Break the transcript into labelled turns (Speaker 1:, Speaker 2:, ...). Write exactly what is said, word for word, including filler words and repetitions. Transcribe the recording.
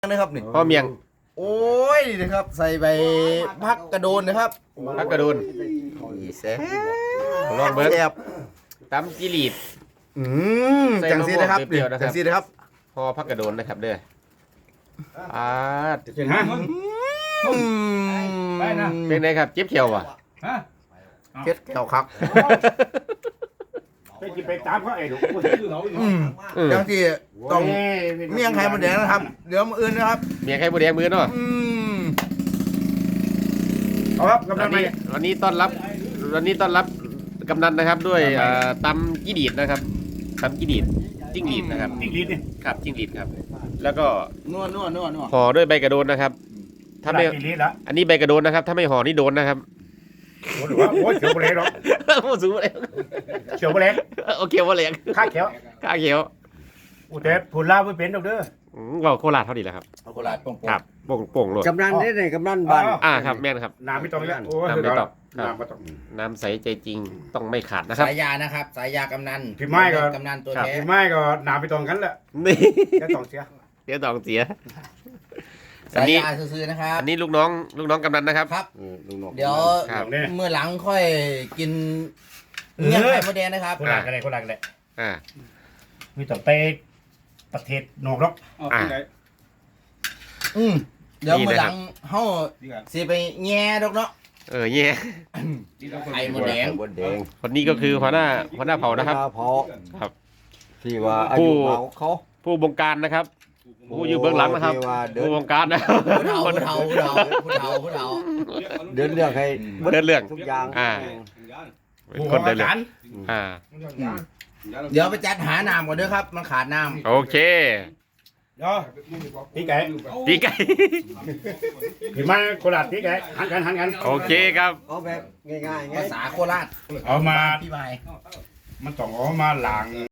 Speaker 1: นะครับนี่
Speaker 2: พ่อเมียง
Speaker 1: โอ้ยนี่นะครับ ใส่ใบพักกระโดนนะครับ
Speaker 2: พักกระโดน
Speaker 1: อีแซ่บ
Speaker 2: ลองเบิ้ง
Speaker 1: แซ่บ
Speaker 2: ตำจิรีด
Speaker 1: อืมจังซีนะครับ
Speaker 2: ใส่มะม่วงเปรี้ยวๆนะครับ
Speaker 1: จังซีนะครับ
Speaker 2: พอพักกระโดนนะครับเด้ออ่า
Speaker 3: เห็นฮะ
Speaker 1: อืม
Speaker 3: ไปนะ
Speaker 2: เป็นไงครับเจ็บเขียวว่ะ
Speaker 3: ฮะ
Speaker 1: เจ็ดเข่าคัก
Speaker 3: ไปกินไปตามเขาไอ้ดู
Speaker 1: อืม
Speaker 2: อืม
Speaker 1: จังซีต้องเมี่ยงไข่มดแดงนะครับ เดี๋ยวมาอื่นนะครับ
Speaker 2: เมียงไข่บัวแดงมือเนาะ
Speaker 1: อืม
Speaker 3: เอาครับกำลั
Speaker 2: วั
Speaker 3: ง
Speaker 2: น
Speaker 3: ไป
Speaker 2: นี้วันนี้ต้อนรับวันนี้ต้อนรับกำนันนะครับด้วยเอ่อตำจิรีดนะครับตำจิรีดจิ้งหรีดนะครับ
Speaker 3: จิ้งหรีดนี่
Speaker 2: ครับจิ้งหรีดครับ แล้วก็
Speaker 1: นัวนัวนัวนัว
Speaker 2: ห่อด้วยใบกระโดนนะครับ ถ้าไม่
Speaker 3: จิ้งหรีดละ
Speaker 2: อันนี้ใบกระโดนนะครับ ถ้าไม่ห่อนี่โดนนะครับ
Speaker 3: โอ้โหโอ้ยเขียวโบเล่หรอก
Speaker 2: พูดสูงเลย
Speaker 3: เขียวโบเล่
Speaker 2: โอเคว่าเหลียง
Speaker 3: ข้าเขียว
Speaker 2: ข้าเขียว
Speaker 3: อุเทศผุนลาไม่เป็นดอกเด้อ
Speaker 2: อืมเราโคราชเท่านี้แหละครับ
Speaker 1: เอาโคราชโป่งๆ
Speaker 2: ครับโป่งโป่งโลด
Speaker 4: กำนันได้เลยกำนันบ้าน
Speaker 2: อ่าครับแม่นครับ
Speaker 3: น้ำไม่ต้องแล้วโอ้ย
Speaker 2: น้ำไม่ต้อง
Speaker 3: น้ำไม่ต้อง
Speaker 2: น้ำใสใจจริงต้องไม่ขาดนะครับ
Speaker 1: สายยานะครับ สายยากำนัน
Speaker 3: พี่ไม้ก็
Speaker 1: กำนันตัว
Speaker 2: ครับ
Speaker 1: แท้
Speaker 3: พี่ไม้ก็น้ำไม่ต้องกันแหละ
Speaker 2: นี่
Speaker 3: แค่ต้องเสีย
Speaker 2: เดี๋ยวต้องเสีย อั
Speaker 1: สาน ย
Speaker 2: นี้
Speaker 1: ยาซื่อๆนะครับ
Speaker 2: อันนี้ลูกน้องลูกน้องกำนันนะครับ
Speaker 1: ครับ
Speaker 4: ลุงนก
Speaker 1: เดี๋ยว
Speaker 2: ครับ
Speaker 3: เนี่ย
Speaker 1: เมื่อหลังค่อยกินเมี่ยงไข่มดแดงนะครับ
Speaker 3: คนหลักอะไรคนหลักอะไร
Speaker 2: อ่า
Speaker 3: มีต้องไปประเทศนอกหรอก
Speaker 2: อ่า
Speaker 1: อืมเดี๋ยว
Speaker 2: นี่
Speaker 1: เมื่อ
Speaker 2: นะ
Speaker 1: ห
Speaker 2: ครั
Speaker 1: ลั
Speaker 2: บ
Speaker 1: งเฮาสิไปแง่ดอกเนาะ
Speaker 2: เออเย่
Speaker 1: ไข่มดแดง
Speaker 4: บนแดง
Speaker 2: คนนี้ก็คือหัวหน้าหัวหน้าเผ่านะครับ
Speaker 4: เพาะ
Speaker 2: ครับ
Speaker 4: ที่ว่าอา
Speaker 2: ผู้
Speaker 4: ยุเขาเขา
Speaker 2: ผู้บงการนะครับ ผู้อยู่เบื้องหลังนะครับ
Speaker 4: ที่ว่าเดิน
Speaker 2: ผู้บงการนะ
Speaker 1: ผู้เฒ่าผู้เฒ่าผู้เฒ่าผู้เฒ่าผู้เฒ่า
Speaker 4: เดินเรื่องให้
Speaker 2: เดินเรื่อง
Speaker 4: ทุกอย่าง
Speaker 2: อ่า เป็น
Speaker 3: ผู้
Speaker 2: คนเดิน
Speaker 3: อา
Speaker 2: เรื่อง
Speaker 3: จารย์
Speaker 2: อ่า
Speaker 1: เดี๋ยวไปจัดหาน้ำก่อนเด้อครับ มันขาดน้
Speaker 2: โอเค
Speaker 3: เนาะพี่ไก่
Speaker 2: ปีไก่
Speaker 3: พี่ไม้คนหลักพี่ไก่หันกันหันกัน
Speaker 2: โอเคครับ
Speaker 4: เอาแบบง่ายๆ
Speaker 1: ำ
Speaker 4: ไง
Speaker 1: ภาษาโคราช
Speaker 3: เอามา
Speaker 1: พี่ไม้
Speaker 3: มันต้องเอามาล้าง